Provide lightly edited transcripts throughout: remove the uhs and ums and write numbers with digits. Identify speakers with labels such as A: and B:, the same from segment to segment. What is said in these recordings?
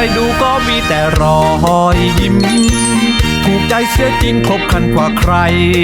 A: ดูก็มีแต่รอยยิ้มถูกใจเสียจริงครบครันกว่าใคร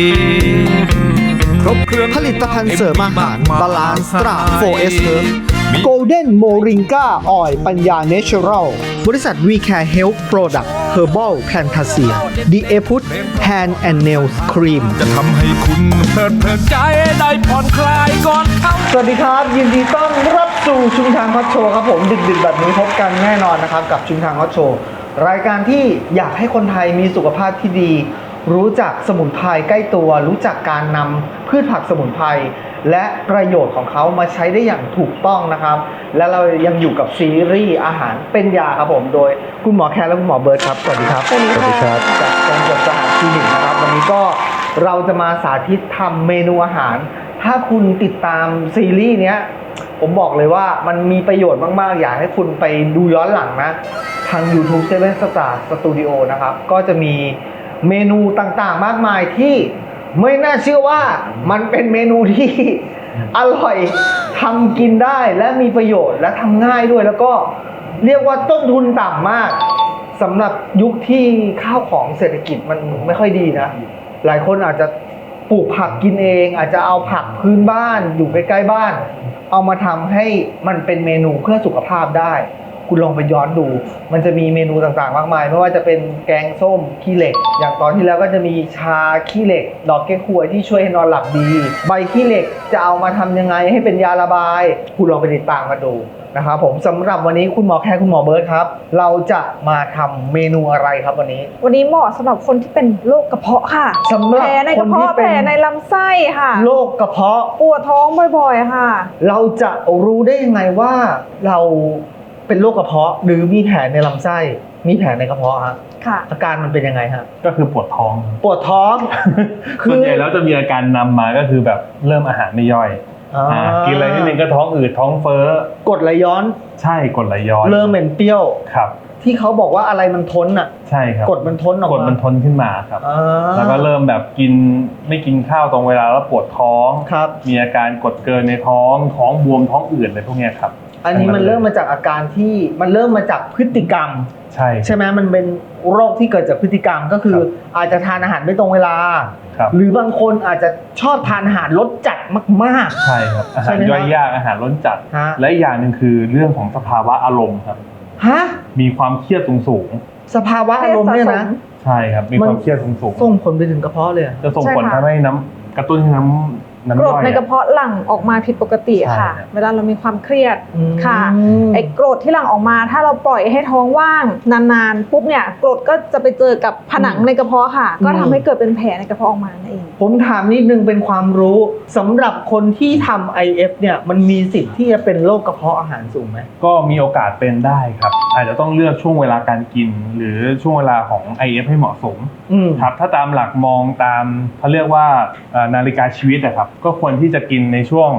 A: ครบเครื่อง
B: ผลิตภัณฑ์เสริมอาหารบาลานซ์ตรา 4S Herb Golden Moringa Oil ปัญญา Natural บริษัท We Care Health Product Herbal Plantasia The Eput Hand and Nails Cream
A: จะทำให้คุณเพลิดใจได้ผ่อนคลายก่อนเข้า
B: สวัสดีครับ ยินดีต้อนรับสู่ชุมทางฮอตโชว์ครับผมดึกๆแบบนี้พบกันแน่นอนนะครับกับชุมทางฮอตโชว์รายการที่อยากให้คนไทยมีสุขภาพที่ดี รู้จักสมุนไพรใกล้ตัวรู้จักการนำพืชผักสมุนไพรและประโยชน์ของเขามาใช้ได้อย่างถูกต้องนะครับและเรายังอยู่กับซีรีส์อาหารเป็นยาครับผมโดยคุณหมอแคร์และคุณหมอเบิร์ตครับสวัสดีครับ
C: สวัสดีครับ
B: จากกรมสหคลินิกนะครับวันนี้ก็เราจะมาสาธิตทำเมนูอาหารถ้าคุณติดตามซีรีส์เนี้ยผมบอกเลยว่ามันมีประโยชน์มากๆอยากให้คุณไปดูย้อนหลังนะทาง YouTube 7 Star Studio นะครับก็จะมีเมนูต่างๆมากมายที่ไม่น่าเชื่อว่ามันเป็นเมนูที่อร่อยทำกินได้และมีประโยชน์และทำง่ายด้วยแล้วก็เรียกว่าต้นทุนต่ำมากสำหรับยุคที่ข้าวของเศรษฐกิจมันไม่ค่อยดีนะหลายคนอาจจะปลูกผักกินเองอาจจะเอาผักพื้นบ้านอยู่ใกล้ๆบ้านเอามาทำให้มันเป็นเมนูเพื่อสุขภาพได้คุณลองไปย้อนดูมันจะมีเมนูต่างๆมากมายไม่ว่าจะเป็นแกงส้มขี้เหล็กอย่างตอนที่แล้วก็จะมีชาขี้เหล็กดอกแก้ควยที่ช่วยให้นอนหลับดีใบขี้เหล็กจะเอามาทำยังไงให้เป็นยาระบายคุณลองไปติดตามมาดูนะครับผมสำหรับวันนี้คุณหมอแคร์คุณหมอเบิร์ตครับเราจะมาทำเมนูอะไรครับวันนี้
C: เหมาะสำหรับคนที่เป็นโรคกระเพาะค่ะ
B: สำหรับ
C: แผลในกระเพาะแผลในลำไส้ค่ะ
B: โรคกระเพาะ
C: ปวดท้องบ่อยๆค่ะ
B: เราจะรู้ได้ยังไงว่าเราเป็นโรคกระเพาะหรือมีแผลในลำไส้มีแผลในกระเพาะฮะ
C: ค่ะ
B: อาการมันเป็นยังไงฮะ
D: ก็คือปวดท้อง
B: ปวดท้อง
D: ส่วนใหญ่แล้วจะมีอาการนำมาก็คือแบบเริ่มอาหารไม่ย่อยกินอะไรนิดนึงก็ท้องอืดท้องเฟ้อก
B: รดไหลย้อน
D: ใช่กรดไหลย้อน
B: เริ่มเหม็นเปรี้ยว
D: ครับ
B: ที่เขาบอกว่าอะไรมันทนอ่ะ
D: ใช่ครับ
B: กรดมันทนออกมาก
D: รดมันทนขึ้นมาครับแล้วก็เริ่มแบบไม่กินข้าวตรงเวลาแล้วปวดท้อง
B: ครับ
D: มีอาการกรดเกินในท้องบวมท้องอืดอะไรพวกนี้ครับ
B: อันนี้มันเริ่มมาจากอาการที่มันเริ่มมาจากพฤติกรรมใช่ไหมมันเป็นโรคที่เกิดจากพฤติกรรมก็คืออาจจะทานอาหารไม่ตรงเวลาหรือบางคนอาจจะชอบทานอาหารรสจัดมาก
D: ๆใช่ครับอาหารย่อยยากอาหารรสจัดและอีกอย่างหนึ่งคือเรื่องของสภาวะอารมณ์ครับมีความเครียดสูง
B: สภาวะอารมณ์เนี่ยนะ
D: ใช่ครับมีความเครียดสูง
B: ส่งผลไปถึงกระเพาะเลย
D: จะส่งผลทำให้กระตุ้นน้ำ
C: กรดในกระเพาะหลั่งออกมาผิดปกติค่ะเวลาเรามีความเครียดค่ะไอ้กรดที่หลั่งออกมาถ้าเราปล่อยให้ท้องว่างนานๆปุ๊บเนี่ยกรดก็จะไปเจอกับผนังในกระเพาะค่ะก็ทำให้เกิดเป็นแผลในกระเพาะออกมานั่นเอง
B: ผมถามนิดนึงเป็นความรู้สำหรับคนที่ทำ IF เนี่ยมันมีสิทธิ์ที่จะเป็นโรคกระเพาะอาหารสูงไหม
D: ก็มีโอกาสเป็นได้ครับอาจจะต้องเลือกช่วงเวลาการกินหรือช่วงเวลาของ IF ให้เหมาะสมครับถ้าตามหลักมองตามเขาเรียกว่านาฬิกาชีวิตนะครับก็ควรที่จะกินในช่วง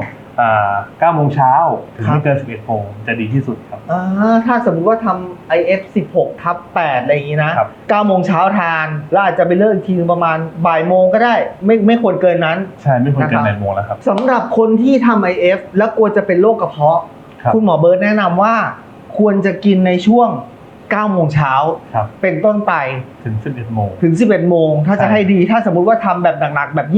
D: 9 โมงเช้าถึงไม่เกิน11 โมงจะดีที่สุดครับ
B: ถ้าสมมติว่าทำ IF 16/8อะไรอย่างนี้นะ9 โมงเช้าทานแล้วอาจจะไปเลิกอีกทีประมาณบ่ายโมงก็ได้ไม่ควรเกินนั้น
D: ใช่ไม่ควรเกินบ่ายโมงแล้วครับ
B: สำหรับคนที่ทำ IF แล้วกลัวจะเป็นโรคกระเพาะคุณหมอเบิร์ตแนะนำว่าควรจะกินในช่วง9 โมงเช้าเป็นต้นไป
D: ถึง11 โมง
B: ถ้าจะให้ดีถ้าสมมุติว่าทำแบบหนักๆแบบ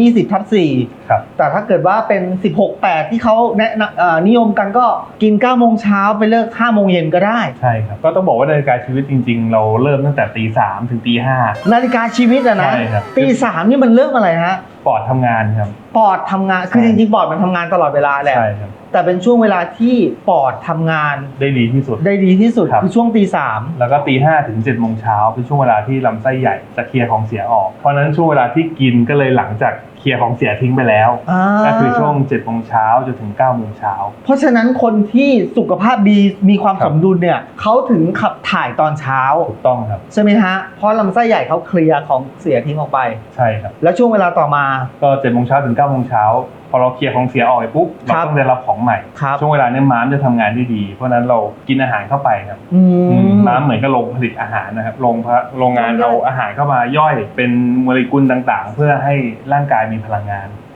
B: 20/4แต่ถ้าเกิดว่าเป็น 16/8ที่เขานิยมกันก็กิน9 โมงเช้าไปเลิก5 โมงเย็นก็ได้
D: ใช่ครับก็ต้องบอกว่านาฬิกาชีวิตจริงๆเราเริ่มตั้งแต่ตี 3ถึงตี 5
B: นาฬิกาชีวิตอะนะตี 3นี่มันเริ่มอะไรฮะ
D: ปอดทำงานครับ
B: ปอดทำงานคือจริงๆปอดมันทำงานตลอดเวลาแหละ
D: ใช่ครับ
B: แต่เป็นช่วงเวลาที่ปอดทำงาน
D: ได้ดีที่สุด
B: คือช่วงตี 3
D: แล้วก็ตี 5ถึง7 โมงเช้าเป็นช่วงเวลาที่ลำไส้ใหญ่จะเคลียร์ของเสียออกเพราะนั้นช่วงเวลาที่กินก็เลยหลังจากเคลียร์ของเสียทิ้งไปแล้วก็คือช่วง7 โมงเช้าจนถึง9 โมงเช้า
B: เพราะฉะนั้นคนที่สุขภาพดีมีความสมดุลเนี่ยเขาถึงขับถ่ายตอนเช้า
D: ถูกต้องครับ
B: ใช่ไหมฮะเพราะลำไส้ใหญ่เขาเคลียร์ของเสียทิ้งออกไป
D: ใช่ครับ
B: แล้วช่วงเวลาต่อมา
D: ก็7 โมงเช้าถึง9 โมงเช้าพอเราเคลียร์ของเสียออกไปปุ๊บเราต้องได้รับของใหม่ช่วงเวลานี้ม้ามจะทำงานได้ดีเพราะนั้นเรากินอาหารเข้าไปครับม้ามเหมือนกับโรงผลิตอาหารนะครับโรงงานเอาอาหารเข้ามาย่อยเป็นโมเลกุลต่างๆเพื่อให้ร่างกายมีพลังงาน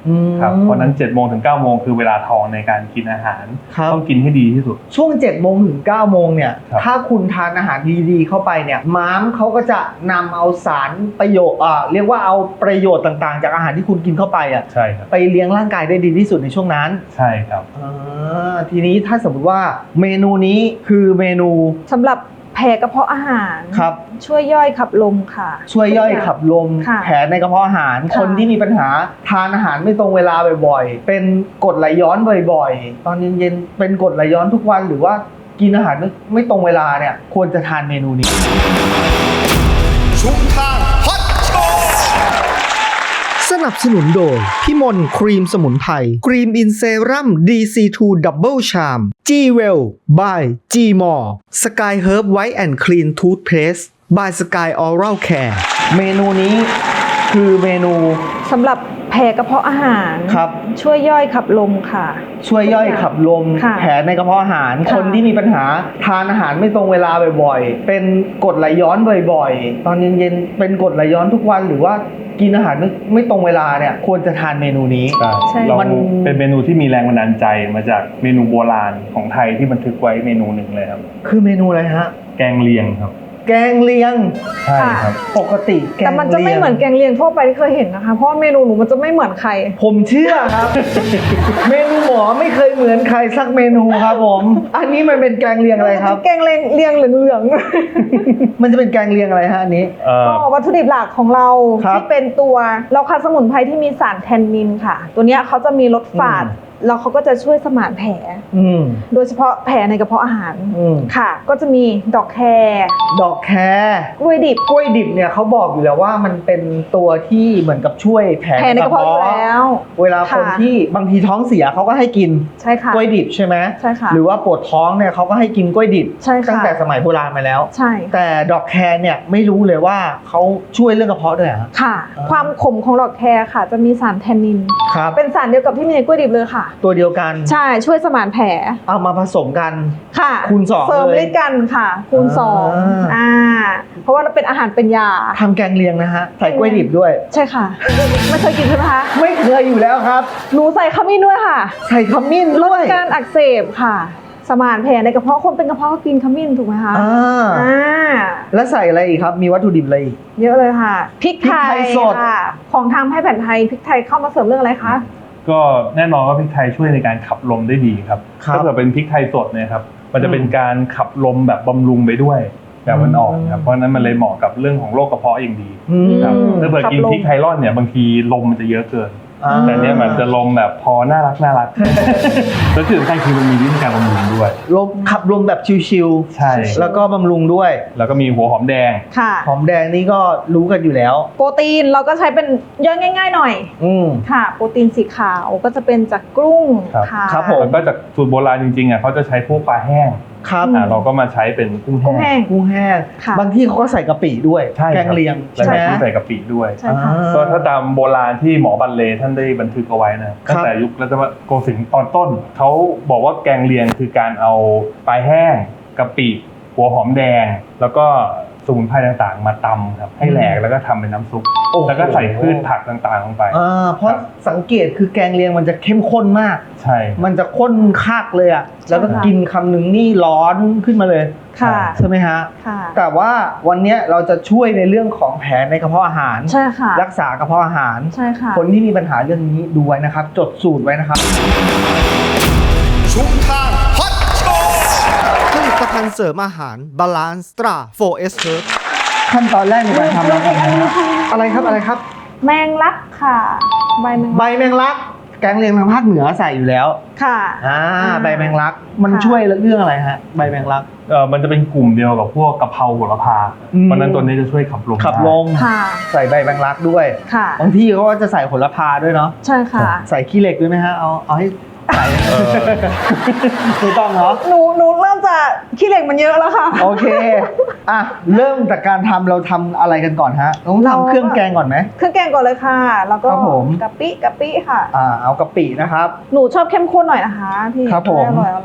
D: ครับเพราะนั้น7โมงถึง9โมงคือเวลาทองในการกินอาหาร
B: ครับ
D: ต้องกินให้ดีที่สุด
B: ช่วง7โมงถึง9โมงเนี่ย
D: ครับ
B: ถ้าคุณทานอาหารดีๆเข้าไปเนี่ยม้ามเขาก็จะนำเอาสารประโยชน์เรียกว่าเอาประโยชน์ต่างๆ จากอาหารที่คุณกินเข้าไปอ่ะ
D: ใช่ครับ
B: ไปเลี้ยงร่างกายได้ดีที่สุดในช่วงนั้น
D: ใช่ครับ
B: ทีนี้ถ้าสมมติว่าเมนูนี้คือเมนู
C: สำหรับแผลกระเพาะอาหาร
B: ครับ
C: ช่วยย่อยขับลมค่ะ
B: ช่วยย่อยขับลม
C: ค่ะ
B: แผลในกระเพาะอาหาร
C: ค่ะ
B: คนที่มีปัญหาทานอาหารไม่ตรงเวลาบ่อยๆ เป็นกรดไหลย้อนบ่อยๆ ตอนเย็นๆเป็นกรดไหลย้อนทุกวันหรือว่ากินอาหารไม่ตรงเวลาเนี่ยควรจะทานเมนูนี้
E: ชุมทางฮอตโชว์
B: สนับสนุนโดยพี่มนครีมสมุนไพรครีมอินเซรั่ม DC2 Double Charm G Well by G More Sky Herb White and Clean Toothpaste by Sky Oral Care เมนูนี้คือเมนู
C: สำหรับแผลกระเพาะอาหาร
B: ครับ
C: ช่วยย่อยขับลมค่ะ
B: ช่วยย่อยขับลม
C: ค่ะ
B: แผลในกระเพาะอาหาร
C: ค่ะ
B: คนที่มีปัญหาทานอาหารไม่ตรงเวลาบ่อยๆ เป็นกรดไหลย้อนบ่อยๆ ตอนเย็นๆเป็นกรดไหลย้อนทุกวันหรือว่ากินอาหารไม่ตรงเวลาเนี่ยควรจะทานเมนูนี้
C: ใช่
D: เรา
B: มัน
D: เป็นเมนูที่มีแรงบันดาลใจมาจากเมนูโบราณของไทยที่บันทึกไว้เมนูหนึ่งเลยครับ
B: คือเมนูอะไรฮะ
D: แกงเลียงครับ
B: แกงเลียง
D: ใช่ครับ
B: ปกติแกง
C: แต่มันจะไม่เหมือนแกงเลียงทั่วไปที่เคยเห็นนะคะ เพราะว่าเมนูหนูมันจะไม่เหมือนใคร
B: ผมเชื่อครับ เมนูหมอไม่เคยเหมือนใครสักเมนูครับผม อันนี้มันเป็นแกงเลียงอะไรครับ
C: แกงเลียงเหลือง
B: มันจะเป็นแกงเลียงอะไรฮะอันนี้
C: ๆก็วัตถุดิบหลักของเรา
B: ครับ
C: ที่เป็นตัวเราคัดสมุนไพรที่มีสารแทนนินค่ะ ตัวเนี้ยเขาจะมีรสฝาดแล้วเขาก็จะช่วยสมานแผล
B: อืม
C: โดยเฉพาะแผลในกระเพาะอาหาร
B: อืม
C: ค่ะ ก็จะมีดอกแคร
B: ดอกแคร
C: กล้วยดิบ
B: กล้วยดิบเนี่ยเขาบอกอยู่แล้วว่ามันเป็นตัวที่เหมือนกับช่วยแผล
C: แผลในกระเพาะอยู่แล้ว
B: เวลาคน
C: ค่ะ
B: ที่บางทีท้องเสียเขาก็ให้กิน
C: ใช่ค่ะ
B: กล้วยดิบใช่ไหม
C: ใช่ค่ะ
B: หรือว่าปวดท้องเนี่ยเขาก็ให้กินกล้วยดิบ
C: ใช่ค่ะ
B: ตั้งแต่สมัยโบราณมาแล้ว
C: ใช่
B: แต่ดอกแครเนี่ยไม่รู้เลยว่าเขาช่วยเรื่องกระเพาะด้วยเหรอฮะ
C: ค่ะ
B: อ่า
C: ความขมของดอกแครค่ะ จะมีสารแทนนิน
B: ครับ
C: เป็นสารเดียวกับที่มีในกล้วยดิบเลยค่ะ
B: ตัวเดียวกัน
C: ใช่ช่วยสมานแผล
B: เอามาผสมกัน
C: ค่ะ
B: คูณสอง
C: เสริม
B: เลย
C: ฤทธิ์กันค่ะคูณสอง
B: อ่า
C: เพราะว่าเราเป็นอาหารเป็นยา
B: ทำแกงเลียงนะฮะใส่กล้วยดิบด้วย
C: ใช่ค่ะ ไม่เคยกินใช่ไหมคะ
B: ไม่เคยอยู่แล้วครับ
C: หนูใส่ขมิ้นด้วยค่ะ
B: ใส่ขมิ้น
C: ล
B: ด้
C: ด
B: วย
C: การอักเสบค่ะ สมานแผลในกระเพาะคนเป็นกระเพาะก็กินขมิ้นถูกไหมคะ
B: อ่า
C: อ่า
B: แล้วใส่อะไรอีกครับ มีวัตถุดิบอะไรอีก
C: เยอะเลยค่ะพริกไท
B: พริกไท
C: ย
B: ยสด
C: ค่ะ ของทางแพทย์แผนไทยพริกไทยเข้ามาเสริมเรื่องอะไรคะ
D: ก็แน่นอนว่าพริกไทยช่วยในการขับลมได้ดีครับ
B: ครับ
D: ถ้าเกิดเป็นพริกไทยสดเนี่ยครับมันจะเป็นการขับลมแบบบำรุงไปด้วยแบบมันออกครับเพราะฉะนั้นมันเลยเหมาะกับเรื่องของโรคกระเพาะอย่างดี
B: อืม
D: ครับ
C: อืม
D: ถ้าเกิดกิน
C: ขับลม
D: พริกไทรอนเนี่ยบางทีลมมันจะเยอะเกิน
B: อ่า
D: แต่เนี้ยมันจะลมแบบพอน่ารักแล้วที่สำคัญคือมันมีวิธีการบำรุงด้วย
B: ลมขับลมแบบชิว
D: ใช่
B: ๆแล้วก็บำรุงด้วย
D: แล้วก็มีหัวหอมแดง
C: ค่ะ
B: หอมแดงนี่ก็รู้กันอยู่แล้ว
C: โปรตีนเราก็ใช้เป็นย่อยง่าย ๆ หน่อย
B: อืม
C: ค่ะ โปรตีนสีขาวก็จะเป็นจากกุ้ง
D: ครับ
C: ค่ะ
B: ครับผม
D: แล้วก็จากสูตรโบราณจริงๆอ่ะเขาจะใช้พวกปลาแห้ง
B: ครับ
D: เราก็มาใช้เป็นกุ้ง
C: กุ้ง
D: แห้
C: แห้
D: ง
C: ง
B: กุ้งแห้ง
C: ค่ะ
B: บางที่เขาก็ใส่กะปิด้วย
D: ใช่
B: แก
D: ครับ
B: งเลียง
D: แล้ว
B: ใช่ไหม
D: ก็ที่ใส่กะปิด้วย
C: ใช่ค่ะ
D: ก็ถ้าตามโบราณที่หมอบัลเลท่านได้บันทึกเอาไว้นะตั้งแต่ยุครัตนโกสินทร์ตอนต้นเขาบอกว่าแกงเลียงคือการเอาปลาแห้งกะปิหัวหอมแดง แล้วก็สมุนไพรต่างๆ มาตำครับให้แหลกแล้วก็ทำเป็นน้ำซุป
B: โอ้โห
D: แล้วก็ใส่พืชผักต่างๆลงไป
B: เพราะสังเกตคือแกงเลียงมันจะเข้มข้นมาก
D: ใช่
B: มันจะข้นคักเลยอ่ะ แล้วก็กินคำหนึ่งนี่ร้อนขึ้นมาเลย
C: ค่ะ
B: ใช่ไหมฮะ
C: ค่ะ
B: แต่ว่าวันเนี้ยเราจะช่วยในเรื่องของแผลในกระเพาะอาหาร
C: ใช่ค่ะ
B: รักษากระเพาะอาหาร
C: ใช่ค่ะ
B: คนที่มีปัญหาเรื่องนี้ดูไว้นะครับ จดสูตรไว้นะครับ
E: ชุมทางฮอตโชว์
B: ผลิตภัณฑ์เสริมอาหารบาลานซ์ตรา 4S Herb ขั้นตอนแรกในการทำเราทำยังไงครับอะไรครับอะไรครับ
C: แมงลักค่ะ ใบแมง
B: ใบ
C: ลัก
B: แมงลัก แกงเลียงทางภาคเหนือใส่อยู่แล้ว
C: ค่ะ
B: ใบแมงลัก มัน
C: ค่ะ
B: ช่วยเรื่องอะไรฮะ ใบแมงลัก
D: มันจะเป็นกลุ่มเดียวกับพวกกะเพราโหระพา
B: อืม
D: เพราะฉะนั้นตัวนี้จะช่วยขับลม
B: ขับลม
C: ค่ะ
B: ใส่ใบแมงลักด้วย
C: ค่ะ
B: บางที่เขาก็จะใส่โหระพาด้วยเนาะ
C: ใช่ค่ะ
B: ใส่ขี้เหล็กด้วยไหมฮะ เอาให้ใส่
D: เออ
B: ไม่ต้องเนาะ
C: หนูเริ่มจะขี้เหล็กมันเยอะแล้วค่ะ
B: โอเค อ่ะ เริ่มจากการทำเราทำอะไรกันก่อนฮะต้อง
C: เรา
B: ทำเครื่องแกงก่อนไหม
C: เครื่องแกงก่อนเลยค่ะ แล้วก็
B: ครับผม
C: กะปิค่ะ
B: เอากะปินะครับ
C: หนูชอบเข้มข้นหน่อยนะคะพี่
B: ครับผม
C: อร่อย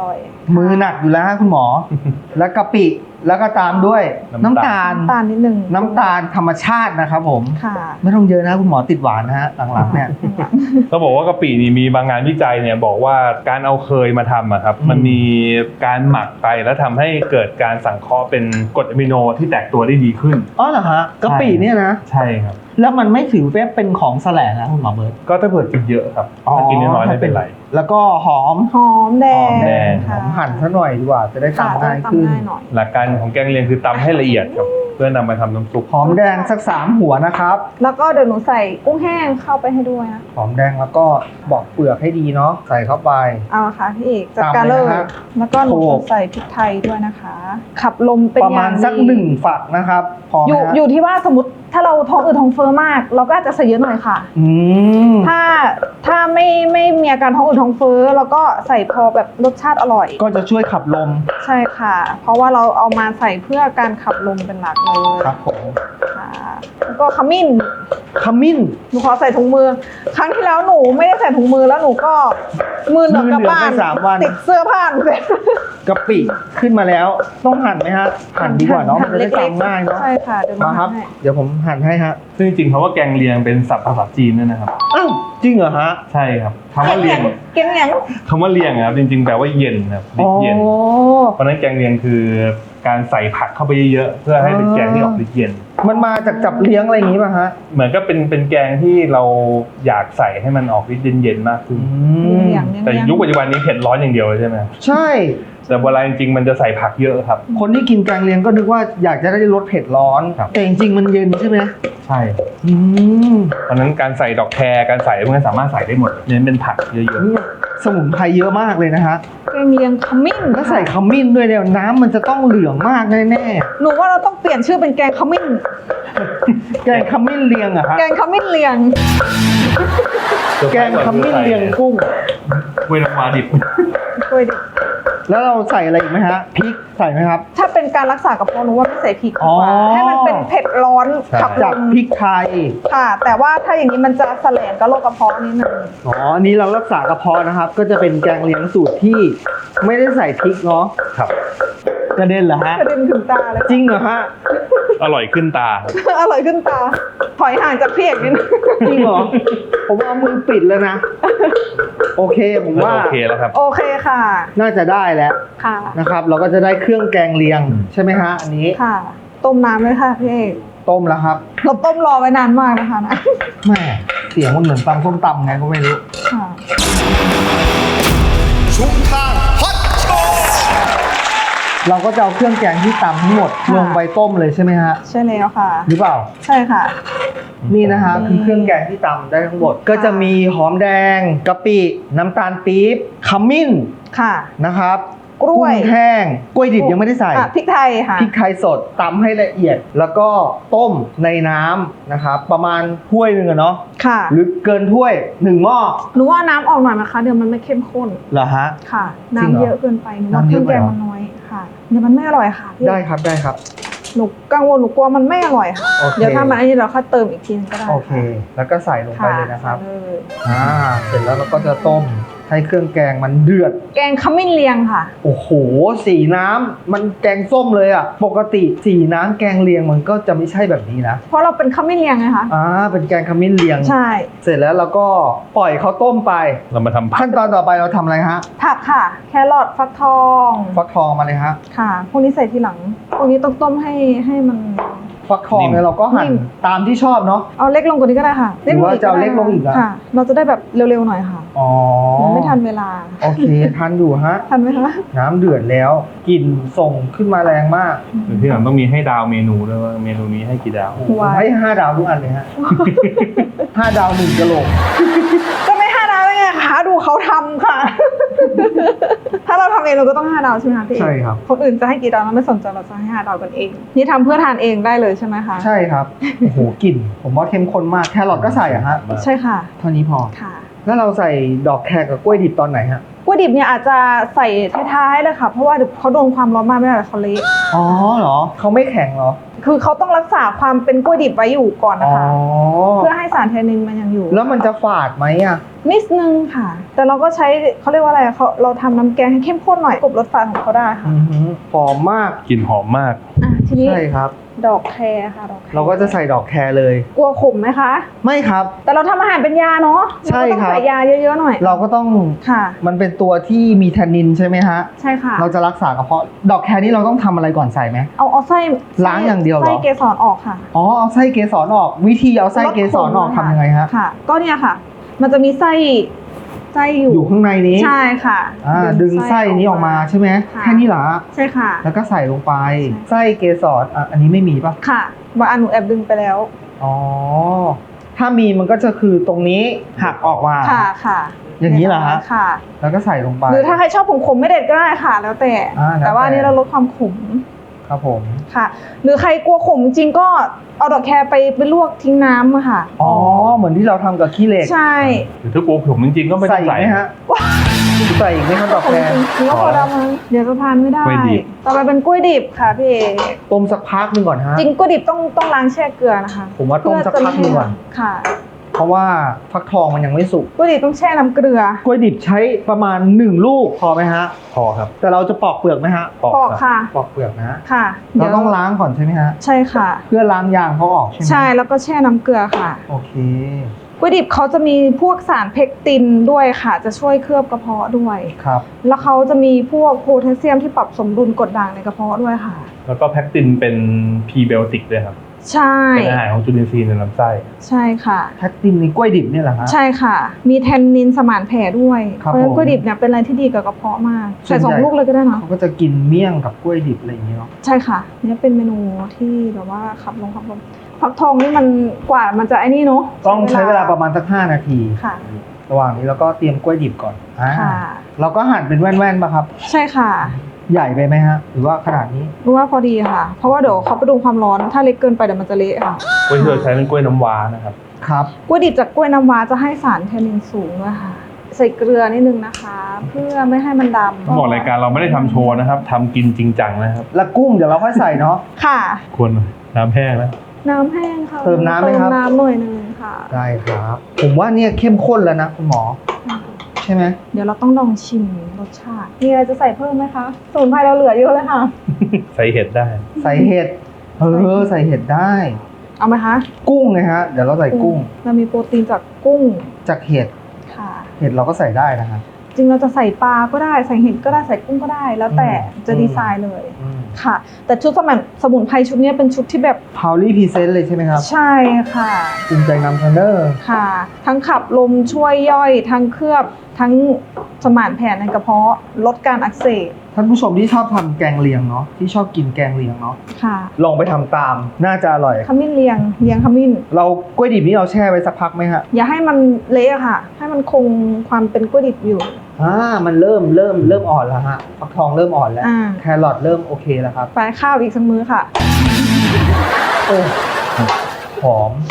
B: มือหนักอยู่แล้วฮะคุณหมอ แล้วกะปิแล้วก็ตามด้วยน้ำตาล
C: น้ำตาลนิดนึง
B: น้ำตาลธรรมชาตินะครับผม
C: ค่ะ
B: ไม่ต้องเยอะนะคุณหมอติดหวานนะฮะหลังๆเนี่ย
D: เขาบอกว่ากะปินี่มีบางงานวิจัยเนี่ยบอกว่าการเอาเคยมาทำอะครับ
B: อืม
D: มันมีการหมักไปแล้วทำให้เกิดการสังเคราะห์เป็นกรดอะมิโนที่แตกตัวได้ดีขึ้น
B: อ๋อเหรอฮะกะปิเนี่ยนะ
D: ใช่ครับ
B: แล้วมันไม่ถือว่าเป็นของแสลงนะคุณหมอเบิร์ต
D: ก็ถ้าเผื่อกินเยอะครับถ้ากินน้อยๆไม่เป็นไร
B: แล้วก็หอม
C: หอมแดง
D: หอมแดง
B: ห
C: ค่ะ
B: อมหั่นซะหน่อยดีกว่าจะได้
C: ค่ะ
B: ทำ
C: ต้อ
B: ง่าย
C: ง
B: ขึ้น
C: ตำง่ายหน่อย
D: หลักการของแกงเลียงคือตำให้ละเอียดครับเพื่อนำมาทำน้ำซุป
B: หอมแดงสัก3หัวนะครับ
C: แล้วก็เดี๋ยวหนูใส่กุ้งแห้งเข้าไปให้ด้วยนะ
B: หอมแดงแล้วก็บอกเปลือกให้ดีเนาะใส่เข้าไป
C: เอาละค่ะพี่เอกจัดการ
B: ตาม
C: เล
B: เลย
C: ย
B: นะฮะ
C: แล้วก็หนู
B: โขล
C: จะ
B: ก
C: ใส่พริกไทยด้วยนะคะ ขับลมเป็น
B: ประมาณ
C: อย่ง
B: สัก
C: ดี
B: 1 ฝักนะครับพอไหม
C: อยู่
B: ฮะ
C: อยู่ที่ว่าสมมติถ้าเราท้องอืดท้องเฟ้อมาก เราก็อาจจะใส่เยอะหน่อยค่ะ
B: อืม
C: ถ้าไม่มีอาการท้องอืดท้องเฟ้อแล้วก็ใส่พอแบบรสชาติอร่อย
B: ก็จะช่วยขับลม
C: ใช่ค่ะ เพราะว่าเราเอามาใส่เพื่อการขับลมเป็นหลักเลย
B: ครับผม
C: ค่ะแล้วก็ขมิ้น
B: ขมิ้น
C: หนูขอใส่ถุงมือ ครั้งที่แล้วหนูไม่ได้ใส่ถุงมือแล้วหนูก็มือเหลืองกลับบ้าน
B: มือเหลืองไป3 วัน
C: ติดเสื้อผ้าหนูเลย
B: กะปิขึ้นมาแล้วต้องหั่นไหมฮะหั่นดีกว่าเนาะมันจะได้
C: เล็ก
B: ตำง่ายเนาะ
C: ใช่ค่ะเดี๋ยวหนู
B: มาครับ
C: ให้
B: เดี๋ยวผมหั่นให้ฮะ
D: ซึ่งจริงๆคำว่าแกงเลียงเป็นศัพท์ภาษาจีนด้วยนะครับ
B: อ้าวจริงเหรอฮะ
D: ใช่ครับคำว่าเลียง
C: เก่งอย่าง
D: คำว่าเลียงอะครับจริงๆแปลว่าเย็นครับฤทธิ์เย็น เพราะฉะนั้นแกงเลียงคือการใส่ผักเข้าไปเยอะๆเพื่อให้เป็นแกงที่ออกฤทธิ์เย็น
B: มันมาจากจับเลี้ยงอะไรอย่างงี้ป่ะฮะ
D: เหมือนก็เป็นแกงที่เราอยากใส่ให้มันออกฤทธิ์เย็นๆมากขึ้น
C: อย่าง
D: แต่ยุคปัจจุบันนี้เผ็ดร้อนอย่างเดียวเลยใช่ไหม
B: ใช่
D: แต่เวลาจริงๆมันจะใส่ผักเยอะครับ
B: คนที่กินแกงเลียงก็นึกว่าอยากจะได้รสเผ็ดร้อน
D: ครับ แต่
B: แต่จริงๆมันเย็นใช่ไหม
D: ใช่
B: อืม
D: เพราะฉะนั้นการใส่ดอกแครการใส่พวกนี้สามารถใส่ได้หมดเน้นเป็นผักเยอะ
B: นี่สมุนไพรเยอะมากเลยนะฮะ
C: แกงเลียงขมิ้น
B: ถ้าใส่ขมิ้นด้วยเนี่ยน้ำมันจะต้องเหลืองมากแน่
C: หนูว่าเราต้องเปลี่ยนชื่อเป็นแกงขมิ้น
B: ๆแกงขมิ้นเลียงอะฮะ
C: แกงขมิ้นเลียง
D: ๆ
B: แกงขมิ้นเลียงกุ้ง
D: เวลามาดิบ
C: ช่วยดิ
B: แล้วเราใส่อะไรอีกไหมฮะพริกใส่ไหมครับ
C: ถ้าเป็นการรักษากระเพาะหนูว่าไม่ใส่พริกดีกว่า
B: อ๋อ
C: ให้มันเป็นเผ็ดร้อนขับล
B: จาก
C: ม
B: พริกไทย
C: ค่ะ แต่ว่าถ้าอย่างนี้มันจะแสลงกับโรคกระเพาะนิดนึง
B: อ๋ออันนี้เรารักษากระเพาะนะครับ ก็จะเป็นแกงเลียงสูตรที่ไม่ได้ใส่พริกเนาะ
D: ครับ
B: กระเด็นเหรอฮะ
C: กระเด็นถึงตาเลย
B: จริงเหรอฮะ
D: อร่อยขึ้นตาครับ
C: อร่อยขึ้นตา ถอยห่างจากพี่เอกนิดนึง
B: จริงเหรอ ผมเอามือปิดแล้วนะ โอเคผมว่า
D: โอเคแล้วครับ
C: โอเคค่ะ
B: น่าจะได้แล้ว
C: ค่ะ
B: นะครับ เราก็จะได้เครื่องแกงเลียงใช่ไหมฮะอันนี้
C: ค่ะ ต้มน้ำเลยค่ะพี่เอก
B: ต้มแล้วครับ
C: เราต้มรอไว้นานมากนะคะนะ
B: แม่เสียงมันเหมือนตำส้มตำไงก็ไม่รู้
C: ค่ะ
E: ชุมทางฮอตโชว์
B: เราก็จะเอาเครื่องแกงที่ตำทั้งหมด
C: ค่ะ
B: ลงไปต้มเลยใช่ไหมฮะ
C: ใช่แล้วค่ะ
B: หรือเปล่า
C: ใช่ค่ะ
B: นี่นะฮะคือเครื่องแกงที่ตำได้ทั้งหมด ก็จะมีหอมแดงกะปิน้ำตาลปี๊บขมิ้น
C: ค่ะ
B: นะครับ
C: กล้วย
B: กุ้งแห้งกล้วยดิบยังไม่ได้ใส่
C: อ่ะพริกไทยค่ะ
B: พริกไทยสดตำให้ละเอียด แล้วก็ต้มในน้ำนะครับ ประมาณถ้วยหนึ่งอะเนาะ
C: ค่ะ
B: หรือเกินถ้วย1 หม้อ
C: หนูว่าน้ำออกหน่อยนะคะ เดี๋ยวมันไม่เข้มข้น
B: เหรอฮะ
C: ค่ะ
B: จริงเหรอ
C: น้ำเยอะเกินไปหนูว่า
B: น้ำ
C: เค
B: เย
C: รื่อ
B: อะ
C: ง
B: ไป
C: แกง
B: เหรอ
C: มันน้อยค่ะ เดี๋ยวมันไม่อร่อยค่ะพี่
B: ได้ครับได้ครับ
C: หนูกังวลหนูกลัวมันไม่อร่อยค่ะ
B: โอเค
C: เดี๋ยวถ้ามันอันนี้เราค่อยเติมอีกทีนึงก็ได้
B: โอเค แล้วก็ใส่ลงไปเลยนะครับ
C: ใส่เลย
B: เสร็จแล้วเราก็จะต้มให้เครื่องแกงมันเดือด
C: แกงขมิ้นเลียงค่ะ
B: โอ้โหสีน้ำมันแกงส้มเลยอ่ะ ปกติสีน้ำแกงเลียงมันก็จะไม่ใช่แบบนี้นะ
C: เพราะเราเป็นขมิ้นเลียงไงคะ
B: เป็นแกงขมิ้นเลียง
C: ใช่
B: เสร็จแล้วเราก็ปล่อยเขาต้มไป
D: เรามาทำผัก
B: ขั้นตอนต่อไปเราทำอะไรฮะ
C: ผักค่ะ แครอทฟักทอง
B: ฟักทองมาเลยฮะ
C: ค่ะ พวกนี้ใส่ทีหลัง พวกนี้ต้องต้มให้มัน
B: ฟักทองเนี่ยเราก็หั่น
C: นิ่ม
B: ตามที่ชอบเนาะ
C: เอาเล็กลงกว่านี้ก็ได้ค่ะ
B: หรือว่าจะเอาเล็กลงอีกเหรอ
C: ค่ะ เราจะได้แบบเร็วๆหน่อยค่ะ
B: อ๋อ
C: มันไม่ทันเวลา
B: โอเคทันอยู่ฮะ
C: ทันไหมคะ
B: น้ำเดือดแล้วกลิ่นส่งขึ้นมาแรงมาก
D: หรือที่หลังต้องมีให้ดาวเมนูด้วยว่าเมนูนี้ให้กี่ดาว
B: ผมให้5 ดาวทุกอันเลยฮะ 5 ดาว1กะโหลก
C: ก็ไม่5 ดาวได้ไงคะดูเขาทำค่ะ ถ้าเราทำเองเราก็ต้อง5 ดาวใช่ไหมคะพี่
B: ใช่ครับ
C: คนอื่นจะให้กี่ดาวเราไม่สนใจเราจะให้5 ดาวกันเอง นี่ทำเพื่อทานเองได้เลยใช่ไหมคะ
B: ใช่ครับ โอ้โหกลิ่น ผมว่าเข้มข้นมาก แครอทก็ใส่อะฮะ
C: ใช่ค่ะ
B: เท่านี้พอ
C: ค่ะ
B: แล้วเราใส่ดอกแครกับกล้วยดิบตอนไหนฮะ
C: กล้วยดิบเนี่ยอาจจะใส่ท้ายๆเลยค่ะเพราะว่าเดี๋ยวเขาโดนความร้อนมากไม่ได้เขาเละ
B: อ๋อเหรอเขาไม่แข็งเหรอ
C: คือเขาต้องรักษาความเป็นกล้วยดิบไว้อยู่ก่อน
B: อ๋
C: นะ
B: อ
C: คะ เพื่อให้สารแทนนินมันยังอยู่
B: แล้วมันจะฝาดไหมอ่ะ
C: นิดนึงค่ะ แต่เราก็ใช้เขาเรียกว่าอะไรเราทำน้ำแกงให้เข้มข้นหน่อยกลบรสฝาดของเขาได้ค่ะ
B: อือหือหอมมาก
D: กลิ่นหอมมาก
C: ทีนี้
B: ใช่ครับ
C: ดอกแครค่ะดอกแค
B: เราก็จะใส่ดอกแครเลย
C: กลัวขมไหมคะ
B: ไม่ครับ
C: แต่เราทำอาหารเป็นยาเนาะ
B: ใช่
C: เราก็ต้อง
B: ครับ
C: ใส่ยาเยอะๆหน่อย
B: เราก็ต้อง
C: ค่ะ
B: มันเป็นตัวที่มีแทนนินใช่ไหมฮะ
C: ใช่ค่ะ
B: เราจะรักษากระเพาะดอกแครนี่เราต้องทำอะไรก่อนใส่ไหม
C: เอาไส้
B: ล้างอย่างเดียวเหรอ
C: ไส้เกสรออกค่ะ
B: อ๋อเอาไส้เกสรออก วิธีเอาไส้เกสรออกทำยังไงฮะ
C: ค่ะ ก็เนี่ยค่ะ มันจะมีไส้อยู่
B: อยู่ข้างในนี้
C: ใช่ค่ะ
B: ดึงไส้นี้ออกมาใช่ไหม
C: ค่ะ
B: แค่นี้เหรอ
C: ใช่ค่ะ
B: แล้วก็ใส่ลงไป
C: ใช่
B: ไส้เกสรอันนี้ไม่มีป่ะ
C: ค่ะบางอันหนูแอบดึงไปแล้ว
B: อ๋อ ถ้ามีมันก็จะคือตรงนี้หักออกมา
C: ค่ะ
B: อย่างนี้เหรอฮะ
C: ค่ะ
B: แล้วก็ใส่ลงไป
C: หรือถ้าใครชอบขมๆไม่เด็ดก็ได้ค่ะ แล้วแต่
B: แล้วแต่
C: แต่ว่าอันนี้เราลดความขม
B: ครับผม
C: ค่ะ หรือใครกลัวขมจริงก็เอาดอกแครไปลวกทิ้งน้ำอะค่ะ
B: อ๋อ เหมือนที่เราทำกับขี้เหล็ก
C: ใช่
D: หรือถ้ากลัวผมจริงๆก็ไม่ต้
B: ใส่
D: อง
B: อีก
D: ใส่
B: ไหมฮะ ใส่อีกไหมครับดอก
C: ขม
B: แคร
C: จริงหรือว่าพอดำมั้งเดี๋ยวจะทานไม่ได้
D: กล้วยดิบ
C: ต่อไปเป็นกล้วยดิบค่ะพี่เอก
B: ต้มสักพักหนึ่งก่อนฮะ
C: จริงกล้วยดิบต้องล้างแช่เกลือนะคะ
B: ผมว่าต้มสักพักหนึ่งก่อน
C: ค่ะ
B: เพราะว่าฟักทองมันยังไม่สุก
C: กล้วยดิบต้องแช่น้ำเกลือ
B: กล้วยดิบใช้ประมาณ1ลูกพอไหมฮะ
D: พอครับ
B: แต่เราจะปอกเปลือกไหมฮะ
D: ปอก
C: ปอก
D: ครับ
C: ค่ะ
B: ปอกเปลือกนะ
C: ค่ะ
B: เราต้องล้างก่อนใช่ไหมฮะ
C: ใช่ค่ะ
B: เพื่อล้างยางเขาออกใช่ไหม
C: ใช่แล้วก็แช่น้ำเกลือค่ะ
B: โอเค
C: กล้วยดิบเขาจะมีพวกสารเพกตินด้วยค่ะ จะช่วยเคลือบกระเพาะด้วย
B: ครับ
C: แล้วเขาจะมีพวกโพแทสเซียมที่ปรับสมดุลกรดด่างในกระเพาะด้วยค่ะ
D: แล้วก็แพคตินเป็นพรีไบโอติกด้วยครับ
C: ใช่
D: เป็นอาหารของจุลินทรีย์ในลำไส้
C: ใช่ค่ะ
B: แพคตินในกล้วยดิบเนี่ยเหรอฮะ
C: ใช่ค่ะ มีแทนนินสมานแผลด้วย
B: ครับ
C: เพราะฉะนั้
B: ผม
C: นกล้วยดิบเนี่ยเป็นอะไรที่ดีกับกระเพาะมาก
B: ส่ว
C: ใส่
B: นใหญ่
C: 2 ลูกเลยก็ได้เนาะ
B: เขาก็จะกินเมี่ยงกับกล้วยดิบอะไรอย่างเงี้ยเนาะ
C: ใช่ค่ะเนี่ยเป็นเมนูที่แบบว่าขับลงฟักทองนี่มันกว่ามันจะไอ้นี่เนาะ
B: ต้องใช้เวลาประมาณสัก5นาที
C: ค่ะ
B: ระหว่างนี้เราก็เตรียมกล้วยดิบก่อน
C: ค่ะ
B: เราก็หั่นเป็นแว่นๆป่ะครับ
C: ใช่ค่ะ
B: ใหญ่ไปไหมฮะ หรือว่าขนาดนี้
C: รู้ว่าพอดีค่ะ เพราะว่าเดี๋ยวเขาไปดูความร้อนถ้าเล็กเกินไปเดี๋ยวมันจะเละค่ะ
D: กล้วยที่เราใช้เป็นกล้วยน้ำว้านะครับ
B: ครับ
C: กล้วยดิบจากกล้วยน้ำว้าจะให้สารแทนนินสูงด้วยค่ะ ใส่เกลือนิดนึงนะคะ เพื่อไม่ให้มันดำ
D: ต้องบอกรายการเราไม่ได้ทำโชว์นะครับทำกินจริงจังนะครับ
B: แล้วกุ้งเดี๋ยวเราค่อยใส่เนาะ
C: ค่ะ
D: ควรน้ำแห้งแล้ว
C: น้ำแห้งค่ะ
B: เติมน้ำไหมครับ
C: เติมน้ำหน่อยนึงค่ะ
B: ได้ครับ ผมว่าเนี่ยเข้มข้นแล้วนะคุณหมอ ใช่ไหม
C: เดี๋ยวเราต้องลองชิมรสชาติ มีอะไรจะใส่เพิ่มไหมคะสมุนไพรเราเหลือเยอะเลยค่ะ
D: ใส่เห็ดได้
B: ใส่เห็ด ใส่เห็ดได้
C: เอาไหมคะ
B: กุ้งไงฮะ เดี๋ยวเราใส่กุ้ง
C: เรามีโปรตีนจากกุ้ง
B: จากเห็ด
C: ค่ะ
B: เห็ดเราก็ใส่ได้นะครับ
C: จริงเราจะใส่ปลาก็ได้ ใส่เห็ดก็ได้ ใส่กุ้งก็ได้ แล้วแต่จะดีไซน์เลย ค่ะ แต่ชุดสมุนไพรชุดนี้เป็นชุดที่แบบ
B: พาวลี่พรีเซนต์เลยใช่ไหมครับ
C: ใช่ค่ะ
B: ภูมิใจนำเสนอ
C: ค่ะ ทั้งขับลมช่วยย่อย ทั้งเคลือบ ทั้งสมานแผลในกระเพาะ ลดการอักเสบ
B: ท่านผู้ชมที่ชอบทำแกงเลียงเนาะ ที่ชอบกินแกงเลียงเนาะ
C: ค่ะ
B: ลองไปทำตาม น่าจะอร่อย
C: ขมิ้นเลียงขมิ้น
B: เรากล้วยดิบนี่เราแช่ไว้สักพักไหมฮะ
C: อย่าให้มันเละอะค่ะ ให้มันคงความเป็นกล้วยดิบอยู่
B: มันเริ่มอ่อนแล้วฮะฟักทองเริ่มอ่อนแล้ว
C: อ่า
B: แครอทเริ่มโอเคแล้วครับ
C: ไปข้าวอีกสักมื้อค่ะ
B: โอ้หอม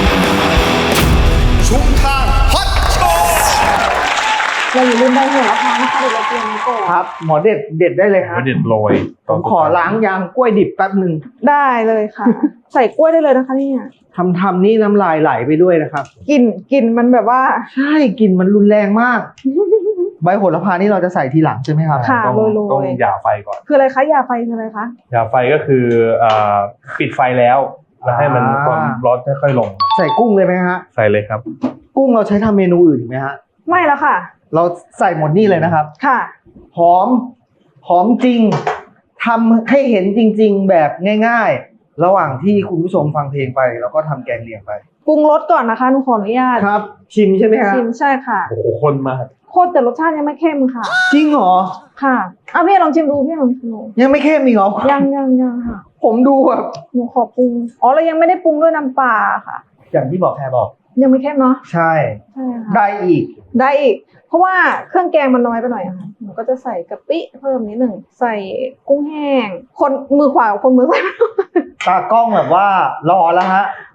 E: ชุมทางฮอตโชว์
C: เราอย่าลืมใบโหระพานะคะเดี๋ยวเราเตรียมไว้ก่อน
B: ครับ หมอเด็ดได้เลยครับ
D: ก็เด็ดโรย
B: ผมขอล้างยางกล้วยดิบแป๊บหนึ่ง
C: ได้เลยค่ะ ใส่กล้วยได้เลยนะคะเนี่ย
B: ทำนี่น้ำลายไหลไปด้วยนะครับ
C: กลิ่นมันแบบว่า
B: ใช่กลิ่นมันรุนแรงมาก ใบโหระพานี่เราจะใส่ทีหลังใช่ไหมครับ
C: ค่ะ
D: ต้อง
C: โรยๆ
D: ต้องหย่าไฟก่อน
C: คืออะไรคะยาไฟคืออะไรคะ
D: หย่าไฟก็คือปิดไฟแล้วให้มันความร้อนค่อยๆลง
B: ใส่กุ้งเลยไหมฮะ
D: ใส่เลยครับ
B: กุ้งเราใช้ทำเมนูอื่นอีกไหมฮะ
C: ไม่แล้วค่ะ
B: เราใส่หมดนี่เลยนะครับ
C: ค่ะ
B: หอมจริงทำให้เห็นจริง ๆ แบบง่าย ๆ ระหว่างที่คุณผู้ชมฟังเพลงไปเราก็ทำแกงเลียงไป
C: ปรุงรสก่อนนะคะหนูขออนุญาต
B: ครับ ชิมใช่ไหมฮะ
C: ชิมใช่ค่ะ
D: โอ้โหข้นมาก
C: โคตรแต่รสชาติยังไม่เข้มค่ะ
B: จริงเหรอ
C: ค่ะเอาพี่ลองชิมดูพี่ลองชิมดู
B: ยังไม่เข้มอีกเหรอ
C: ยังค่ะ
B: ผมดูแบบ
C: หนูขอปรุงอ๋อเรายังไม่ได้ปรุงด้วยน้ำปลาค่ะ
B: อย่างที่บอกแพรบอก
C: ยังไม่เข้มเนาะ
B: ใช่
C: ใช่ค่ะ
B: ได้อีก
C: ได้อีก เพราะว่าเครื่องแกงมันน้อยไปหน่อยอะค่ะหนูก็จะใส่กะปิเพิ่มนิดหนึ่งใส่กุ้งแห้งคนมือขวากับคนมือซ้าย
B: ตากล้องแบบว่ารอแล้วฮะ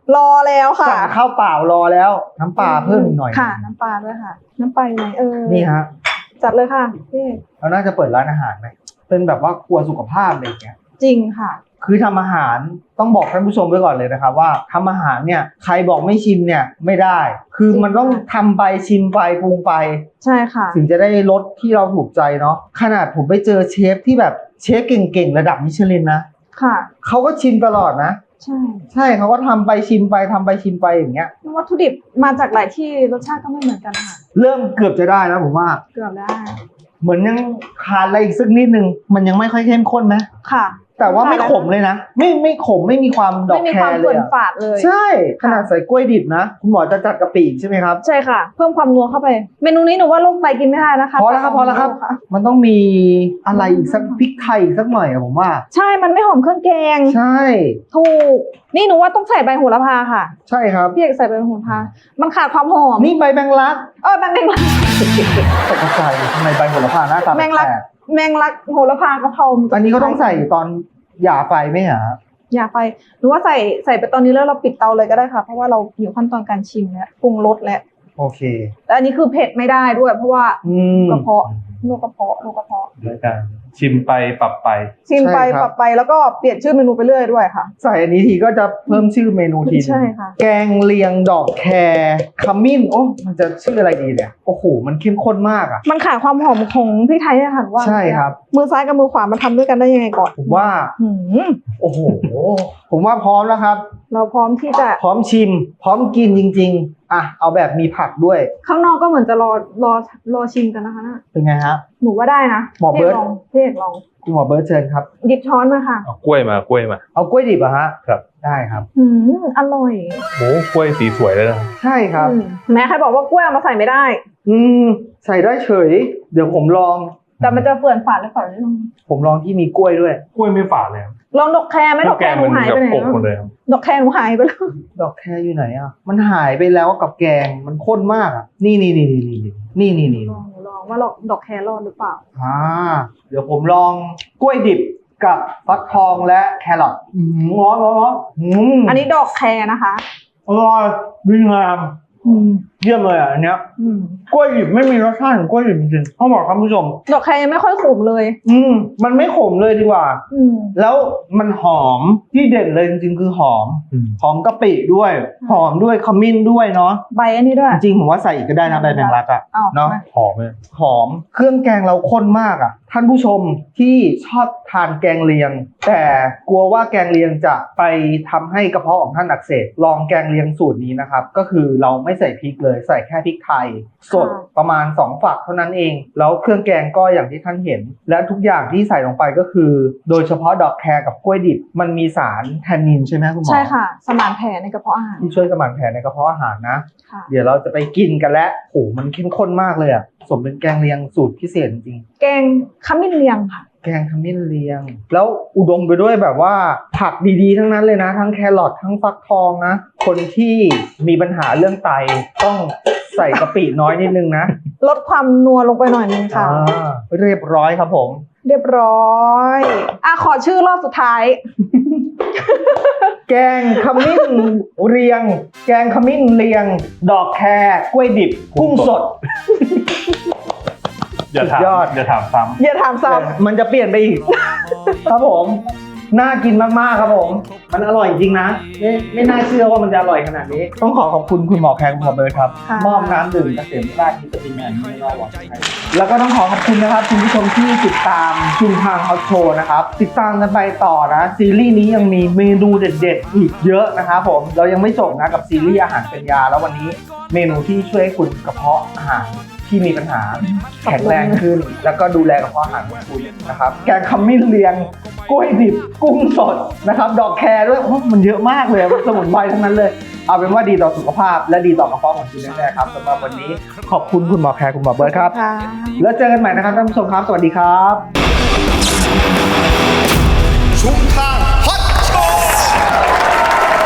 C: รอแล้วค่ะ
B: สั่งข้าวเปล่ารอแล้ว น้ำปลาเพิ่มอีกหน่อย
C: ค่ะ น้ำปลาด้วยค่ะ น้ำปลาอยู่ไหน
B: นี่ฮะ
C: จัดเลยค่ะพี่
B: เราน่าจะเปิดร้านอาหารไหมเป็นแบบว่าครัวสุขภาพอะไรอย่างเงี้ย
C: จริงค่ะ
B: คือทำอาหารต้องบอกท่านผู้ชมไว้ก่อนเลยนะครับว่าทำอาหารเนี่ยใครบอกไม่ชิมเนี่ยไม่ได้ คือมันต้องทำไปชิมไปปรุงไป
C: ใช่ค่ะ
B: ถึงจะได้รสที่เราถูกใจเนาะขนาดผมไปเจอเชฟที่แบบเชฟเก่งๆระดับมิชลินนะ
C: ค่ะ
B: เขาก็ชิมตลอดนะ
C: ใช่
B: ใช่เขาก็ทำไปชิมไปทำไปชิมไปอย่างเงี้ย
C: วัตถุดิบมาจากหลายที่รสชาติก็ไม่เหมือนกันค่ะ
B: เริ่มเกือบจะได้แล้วผมว่า
C: เกือบได้
B: เหมือนยังขาดอะไรอีกสักนิดนึงมันยังไม่ค่อยเข้มข้นไหม
C: ค่ะ
B: แต่ว่าไม่ขมเลยนะไม่ขมไม่มีความดอก
C: ไม่มี
B: แค
C: ความ
B: ร์เล
C: เปื่
B: ย
C: อน
B: อะ
C: ฝาดเลย
B: ใช่ขนาดใส่กล้วยดิบนะคุณหมอจะจัดกะปิใช่ไหมครับ
C: ใช่ค่ะ เพิ่มความนัวเข้าไป เมนูนี้หนูว่าโรคไตกินไม่ได้นะคะ
B: พอแล้วครับพอแล้วครับ มันต้องมีอะไรอีกสักพริกไทยอีกสักหน่อยอะผมว่า
C: ใช่ มันไม่หอมเครื่องแกง
B: ใช่
C: ถูก นี่หนูว่าต้องใส่ใบโหระพาค่ะ
B: ใช่ครับ
C: พี่เอกใส่ใบโหระพา มันขาดความหอม
B: นี่ใบแมงลัก
C: แมงลัก
B: ตกใจทำไมใบโหระพาหน้าตา
C: แมงลัก
B: แปลก
C: แมงลักโหระพากะเพรา
B: ๆอันนี้ก็ต้องใส่ตอนหย่าไฟไหมฮะ
C: อย่าไปหนูว่าใส่ไปตอนนี้แล้วเราปิดเตาเลยก็ได้ค่ะ เพราะว่าเราอยู่ขั้นตอนการชิมแล้วปรุงรสแล้ว
B: โอเค
C: แต่อันนี้คือเผ็ดไม่ได้ด้วย เพราะว่า
B: ม
C: กระเพาะโรคกระเพาะ
D: ด้วยการชิมไปปรับไป
C: ชิมไป
B: ใช่ครับ
C: ปรับไปแล้วก็เปลี่ยนชื่อเมนูไปเรื่อยด้วยค่ะ
B: ใส่อันนี้ทีก็จะเพิ่มชื่อเมนูทีนึง
C: ใช่ค่ะ
B: แกงเลียงดอกแครขมิ้นโอ้มันจะชื่ออะไรดีเนี่ยโอ้โหมันเข้มข้นมากอ่ะ
C: มันขาดความหอมของพริกไทยเนี่ยค่ะหนูว่า
B: ใช่ครับ
C: มือซ้ายกับมือขวามาทำด้วยกันได้ยังไงก่อน
B: ผมว่า
C: หืม
B: โอ้โหผมว่าพร้อมแล้วครับ
C: เราพร้อมที่จะ
B: พร้อมชิม พร้อมกินจริงๆอ่ะเอาแบบมีผักด้วย
C: ข้างนอกก็เหมือนจะรอชิมกันนะคะน่ะ
B: เป็นไงฮะ
C: หนูว่าได้นะ
B: หมอเบิร์ต
C: พี่เอกลอง
B: คุณหมอเบิร์ตเชิญครับ
C: หยิบช้อนมาค่ะ
D: เอากล้วยมา
B: เอากล้วยดิบอะฮะ
D: ครับ
B: ได้ครับ
C: อร่อย
D: โอ้กล้วยสีสวยเลยนะ
B: ใช่ครับ
C: แม้ใครบอกว่ากล้วยเอามาใส่ไม่ได้
B: ใส่ได้เฉย เดี๋ยวผมลอง
C: แต่มันจะเปื่อนฝาดหรือเปล่าไม่รู้
B: ผมลองที่มีกล้วยด้วย
D: กล้วยไม่ฝาดเลยครับ
C: ลองดอกแคร์ไหมดอกแคร์หนูหายไปไหน
D: กบหมดเลยครับ
C: ดอกแคร์หนูหายไปแล้ว
B: ดอกแครอยู่ไหนอ่ะ มันหายไปแล้วกับแกง มันข้นมากอ่ะ นี่
C: ลองว่าดอกแคร์รอดหรือเปล่า
B: เดี๋ยวผมลองกล้วยดิบกับฟักทองและแครอทร้อน
C: อันนี้ดอกแคร์นะคะ
B: อร่อยดีงามเยี่ยมเลยอ่ะอันเนี้ยกล้วยดิบไม่มีรสชาติของกล้วยดิบจริงๆต้องบอกท่านผู้ชม
C: ดอกแคร์ยังไม่ค่อยขมเลย
B: มันไม่ขมเลยดีกว่า แล้วมันหอมที่เด่นเลยจริงๆคือหอม หอมกะปิด้วย หอมด้วยขมิ้นด้วยเนาะ
C: ใบอันนี้ด้วย
B: จริงๆผมว่าใส่อีกก็ได้นะใบแมงลักอ่ะ
C: อ้าว
B: เนาะ
D: หอมเลย
B: หอมเครื่องแกงเราข้นมากอ่ะ ท่านผู้ชมที่ชอบทานแกงเลียง แต่กลัวว่าแกงเลียงจะไปทำให้กระเพาะของท่านอักเสบลองแกงเลียงสูตรนี้นะครับก็คือเราไม่ใส่พริกเลยใส่แค่พริกไทยสดประมาณ2ฝักเท่านั้นเองแล้วเครื่องแกงก็อย่างที่ท่านเห็น และทุกอย่างที่ใส่ลงไปก็คือ โดยเฉพาะดอกแครกับกล้วยดิบมันมีสารแทนนินใช่ไหมคุณหมอ
C: ใช่ค่ะ สมานแผลในกระเพาะอาหาร
B: ที่ช่วยสมานแผลในกระเพาะอาหารนะ
C: ค่ะ
B: เดี๋ยวเราจะไปกินกันแล้วโหมันเข้มข้นมากเลยอ่ะสมเป็นแกงเลียงสูตรพิเศษจริง
C: แกงขมิ้นเลียงค่ะ
B: แกงขมิ้นเลียง แล้วอุดมไปด้วยแบบว่าผักดีๆทั้งนั้นเลยนะ ทั้งแครอททั้งฟักทองนะ คนที่มีปัญหาเรื่องไตต้องใส่กะปิน้อยนิดนึงนะ
C: ลดความนัวลงไปหน่อยนึงค่ะ
B: เรียบร้อยครับผม
C: เรียบร้อยขอชื่อรอบสุดท้าย
B: แกงขมิ้นเรียง แกงขมิ้นเรียง ดอกแครกล้วยดิบกุ้งสด
D: อย่าถาม
B: สุดยอด
D: อย่าถามซ้
C: อย่าถามซ้
B: มันจะเปลี่ยนไปอีก ครับผม น่ากินมากๆครับผม มันอร่อยจริงนะไม่น่าเชื่อว่ามันจะอร่อยขนาดนี้ ต้องขอบคุณคุณหมอแคร์คุณหมอเบิร์ดครับ
C: ค่ะ
B: มอบน้ำดื่มเกษมราชวิตามินแมนไม่รอหวังให้แล้วก็ต้องขอบคุณนะครับคุณผู้ชมที่ติดตามชุมทางฮอตโชว์นะครับ ติดตามกันไปต่อนะซีรีส์นี้ยังมีเมนูเด็ดๆอีกเยอะนะครับผมเรายังไม่จบนะกับซีรีส์อาหารเป็นยาแล้ววันนี้เมนูที่ช่วยให้คุณกระเพาะอาหารที่มีปัญหาแข็งแรงขึ้น แล้วก็ดูแลกระเพาะอาหารของคุณนะครับแกงขมิ้นเลียงกล้วยดิบกุ้งสดนะครับดอกแครด้วยโอ้มันเยอะมากเลยมันสมุนไพรทั้งนั้นเลยเอาเป็นว่าดีต่อสุขภาพและดีต่อกระเพาะของคุณแน่ๆครับสำหรับวันนี้ขอบคุณคุณหมอแคร์คุณหมอเบิร์ดครับ
C: ค่ะ
B: แล้วเจอกันใหม่นะครับท่านผู้ชมครับสวัสดีครับ